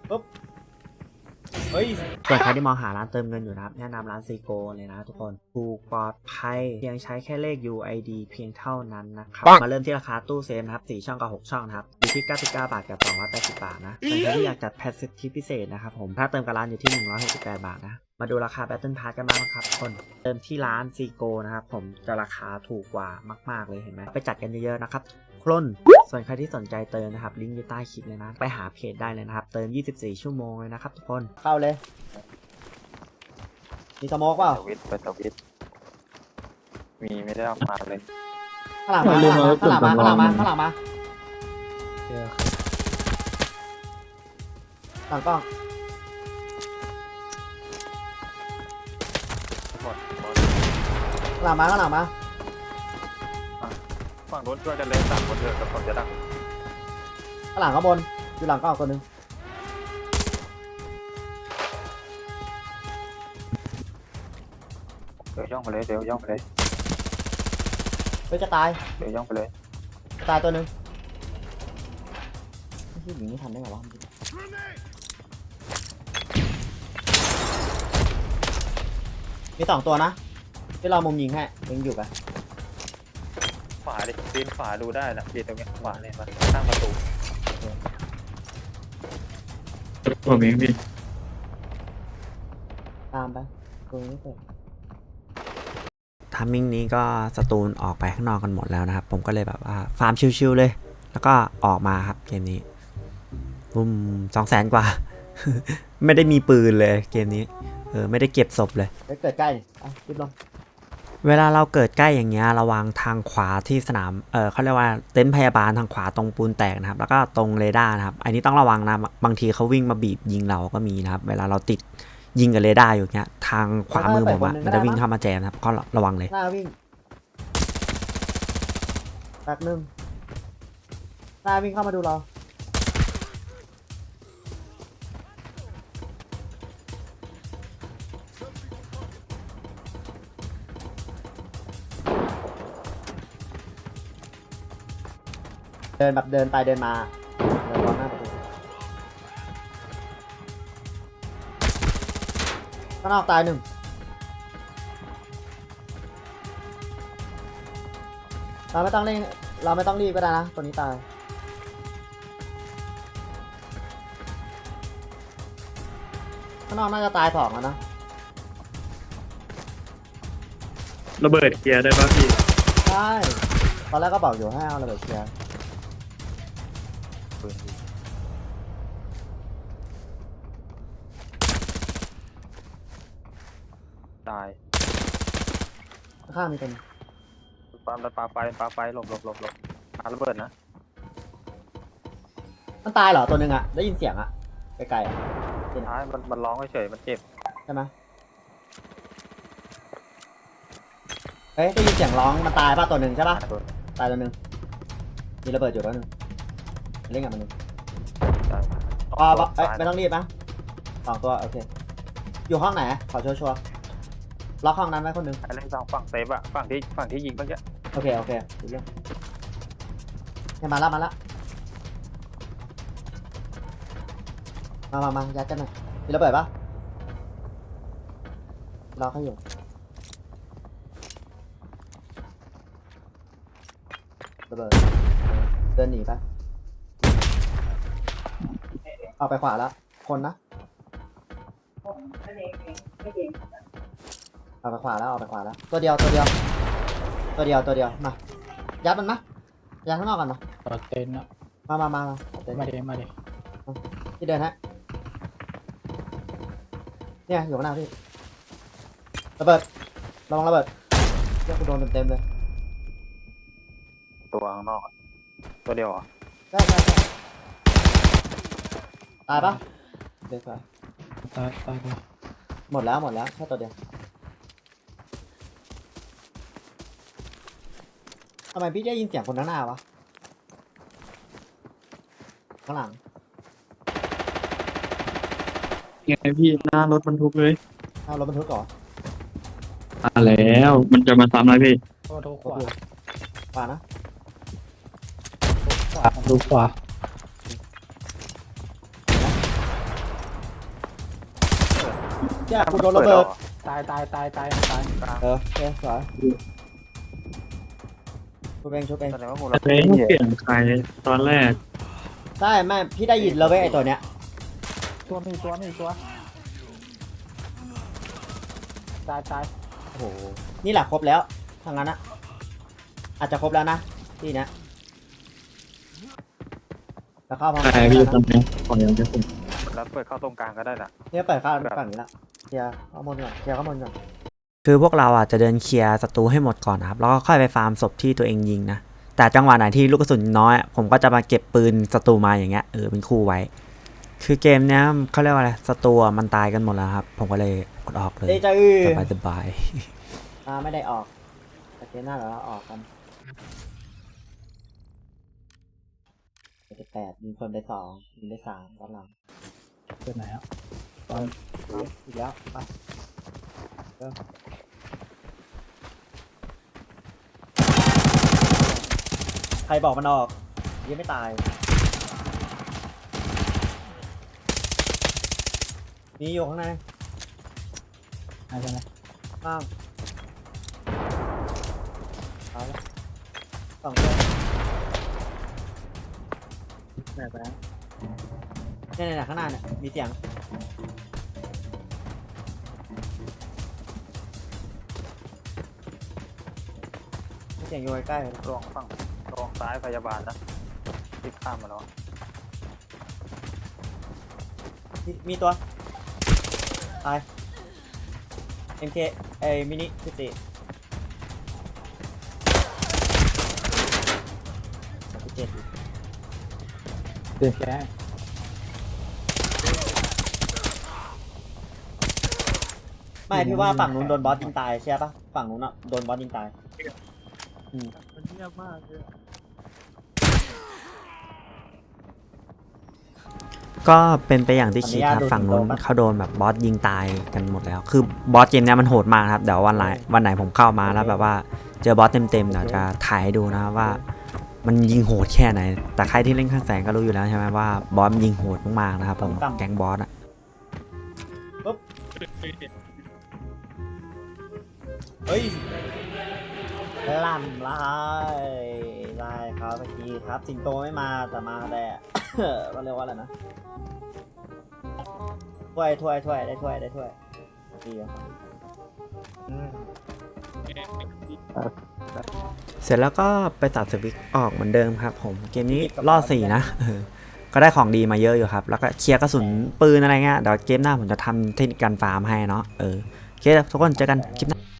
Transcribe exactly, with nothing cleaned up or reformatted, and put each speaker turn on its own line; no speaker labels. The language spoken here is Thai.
ปุ๊บเฮ้ยส่วนใครที่มองหาร้านเติมเงินอยู่นะครับแนะนำร้านซีโกเลยนะทุกคนถูกปลอดภัยเพียงใช้แค่เลข ยู ไอ ดี เพียงเท่านั้นนะครับมาเริ่มที่ราคาตู้เซฟนะครับสี่ช่องกับหกช่องนะครับอยู่ที่เก้าสิบเก้าบาทกับสองร้อยแปดสิบบาทนะส่วนใครที่อยากจัดแพ็คเซตที่พิเศษนะครับผมถ้าเติมกับร้านอยู่ที่หนึ่งร้อยหกสิบแปดบาทนะมาดูราคา Battle Pass กันบ้างนะครับคนเติมที่ร้านซีโกนะครับผมจะราคาถูกกว่ามากๆเลยเห็นไหมไปจัดกันเยอะๆนะครับคลนส่วนใครที่สนใจเติมนะครับลิงก์อยู่ใต้คลิปเลยนะไปหาเพจได้เลยนะครับเติมยี่สิบสี่ชั่วโมงเลยนะครับทุกคนเข้าเลยมีสโมกเปล่า
สวิตไปสวิตมีไม่ได้เอามาเลย
ข้างหลังมาข้างหลังมาข้างหลังมาข้างหลังมาข้างหลังมาหลังกล้อง
หมดหมด
ข้างหลังมาข้างหลังมา
ฝั่งนู้นช่วยกันเลยสามคนเถอะกับคนจะดัง
ข้างหลังข้างบนอยู่หลังกล้องตัวหนึ่ง
เดี๋ยวย่องไปเลยเดี๋ยวย่องไปเลย
เฮ้ยจะตาย
เดี๋ยวย่องไปเลย
จะตายตัวหนึ่งไม่ใช่หญิงนี่ทำได้ไงวะมีสองตัวนะที่เรามุมยิงให้ยังอยู่ปะ
ขวาดิปีนขวาดูได้นะปีนตรงเนี้ยขวาเนี่ยมันตั้งประตู
ผมเองพี่
ตามไปตรงนี้เปิดทามมิ่งนี้ก็สตูนออกไปข้างนอกกันหมดแล้วนะครับผมก็เลยแบบว่าฟาร์มชิวๆเลยแล้วก็ออกมาครับเกมนี้บุ้มสองแสนกว่า ไม่ได้มีปืนเลยเกมนี้เออไม่ได้เก็บศพเลยไปเกิดใกล้อ่ะรีบลงเวลาเราเกิดใกล้อย่างเงี้ยระวังทางขวาที่สนามเออเขาเรียกว่าเต็นท์พยาบาลทางขวาตรงปูนแตกนะครับแล้วก็ตรงเรดาร์นะครับอันนี้ต้องระวังนะบางทีเขาวิ่งมาบีบยิงเราก็มีนะครับเวลาเราติดยิงกับเรดาร์อยู่เงี้ยทางขวามือผมอะมันจะวิ่งเข้ามาแจมนะครับก็ระวังเลยหน้าวิ่งแป๊บนึงหน้าวิ่งเข้ามาดูเราเดินแบบเดินไปเดินมาเดินมองหน้าประตูข้างนอกตายหนึ่งเราไม่ต้องเร่งเราไม่ต้องรีบก็ได้นะตัวนี้ตายข้างนอกน่าจะตายสองแล้วนะ
ระเบิดเกียร์ได้ป่ะพี่
ใช่ตอนแรกก็บอกอยู่ให้เอาระเบิดเคลียร์
ปืนยิงตาย
ข้างมีคน
ปาปาไฟปาไฟหลบหลบหลบหลบปาระเบิดนะ
มันตายเหรอตัวหนึ่งอะได้ยินเสียงอะไกลๆอะ
สุดท้ายมันมันร้องเฉยๆมันเจ็บ
ใช่ไหมเฮ้ยได้ยินเสียงร้องมันตายป่ะตัวหนึ่งใช่ป่ะ
ระเบิด
ตายตัวหนึ่งมีระเบิดอยู่ตัวหนึ่งเล่นกับมันหนึ่ง
ตาย
อ๋อเอ้ยไม่ต้องรีบนะสองตัวโอเคอยู่ห้องไหนขอชัวร์ๆล็อกห้องนั้นไว้คนหนึ่ง
ไอ้เล่นสองฝั่งเซฟอะฝั่งที่ฝั่งที่ยิงเมื่อกี้
โอเคโอเคดูเรื่องเนี่ยมาแล้วมาแล้วมามามายัดกันหน่อยมีระเบิดปะรอเขาอยู่ระเบิดเดินหนีไปเอาไปขวาแล้วคนนะเอาไปขวาแล้วเอาไปขวาแล้วตัวเดียวตัวเดียวตัวเดียวตัวเดียวมายัดมันมะยัดข้างนอกกันมา
ต่อเต็นท์อะ
มามามามาเดิน
มาเดมาเด
พี่เดินฮะเนี่ยอยู่ข้างหน้าพี่ระเบิดระวังระเบิดเรียกกูโดนเต็มๆเลย
ตัวข้างนอกอะตัวเดียวเหรอ่ะ
ได้ได้ได้ตายปะเดี๋ยวก่อน
ตายตายไป
หมดแล้วหมดแล้วแค่ตัวเดียวทำไมพี่ได้ยินเสียงคนข้างหน้าวะข้างหลัง
ไงพี่หน้ารถบรรทุกเลย
เอารถบรรทุกก่อน
มาแล้วมันจะมาซ้ำอะไรพี่
โทษทุกขวา
ขวานะ
ขวาทุกขวา
เนี่ยกูโดนระเบิด
ตายตายตายตายตาย
เออโอเคสวยชุบเองชุบเอง
แสดงว่าหมู
แต่
เรา
เองเปลี่ยนใครตอนแรก
ใช่แม่พี่ได้ยินแล้วเว้ยไอตัวเนี้ย
ตัวมีตัวมีตัวตายตาย
โอ้โหนี่แหละครบแล้วทางนั้นนะอาจจะครบแล้วนะที่เนี้ยแล้วเข้ามา
ใครพี่ตอนนี้ขออย่างเดียวผม
แล้วเปิดเข้าตรงกลางก็ได้นะ
เนี่ยเปิดข้างฝั่งนี้ละเคลียร์ข้างบนก่อนเคลียร์ข้างบนก่อนคือพวกเราอ่ะจะเดินเคลียร์ศัตรูให้หมดก่อนนะครับแล้วก็ค่อยไปฟาร์มศพที่ตัวเองยิงนะแต่จังหวะไหนที่ลูกกระสุนน้อยผมก็จะมาเก็บปืนศัตรูมาอย่างเงี้ยเออเป็นคู่ไว้ คือเกมเนี้ยเขาเรียกว่าอะไรศัตรูมันตายกันหมดแล้วครับผมก็เลยกดออกเลยสบายสบายอ่าไม่ได้ออกแต่เกมหน้าเราออกกันแปดยิงคนไปสองยิงไปสามตอนหลัง
เป็นไหนอ่ะ
อีกแล้วไปเริ่มใครบอกมันออกยังไม่ตายมีอยู่ข้างใน
ไหนเป็นไหน
ข้างเอาละสองตัว
ไหนไปแล้ว
เนี่ยเนี่ยข้างหน้าเนี่ยมีเสียงมีเสียงอยู่ใกล้ๆเลย
ลองฝั่งลองซ้ายพยาบาลนะที่ข้ามมาแล้ว
มีมีตัวตาย เอ็ม เค ไอ้มินิสิบสี่สิบเจ็ด
เดือดแค่
ไม่พี่ว่าฝั่งนู้นโดนบอสยิงตายใช่ปะฝั่งนู้นอ่ะโดนบอสยิงตาย
มันเงียบมากเลย
ก็เป็นไปอย่างที่คิดครับฝั่งนู้นเขาโดนแบบบอสยิงตายกันหมดแล้ว คือบอสเกมเนี้ยมันโหดมากครับเดี๋ยววันไหนวันไหนผมเข้ามาแล้วแบบว่าเจอบอสเต็มๆเดี๋ยวจะถ่ายให้ดูนะว่า มันยิงโหดแค่ไหน แต่ใครที่เล่นข้างแสงก็รู้อยู่แล้วใช่ไหมว่าบอสมันยิงโหดมากๆนะครับผมแก๊งบอสอะปุ๊บเฮ้ยล่ำลายลายครับเมื่อกี้ครับสิงโตไม่มาแต่มาแต่ ก็เรียกว่าอะไรนะถ้วยถ้วยถ้วยได้ถ้วยได้ถ้วยดีครับเสร็จแล้วก็ไปตัดสวิตช์ออกเหมือนเดิมครับผมเกมนี้ล่อสี่นะเออก็ได้ของดีมาเยอะอยู่ครับแล้วก็เคลียร์กระสุนปืนอะไรเงี้ยเดี๋ยวเกมหน้าผมจะทำเทคนิคการฟาร์มให้เนาะเออโอเคทุกคนเจอกันคลิปหน้า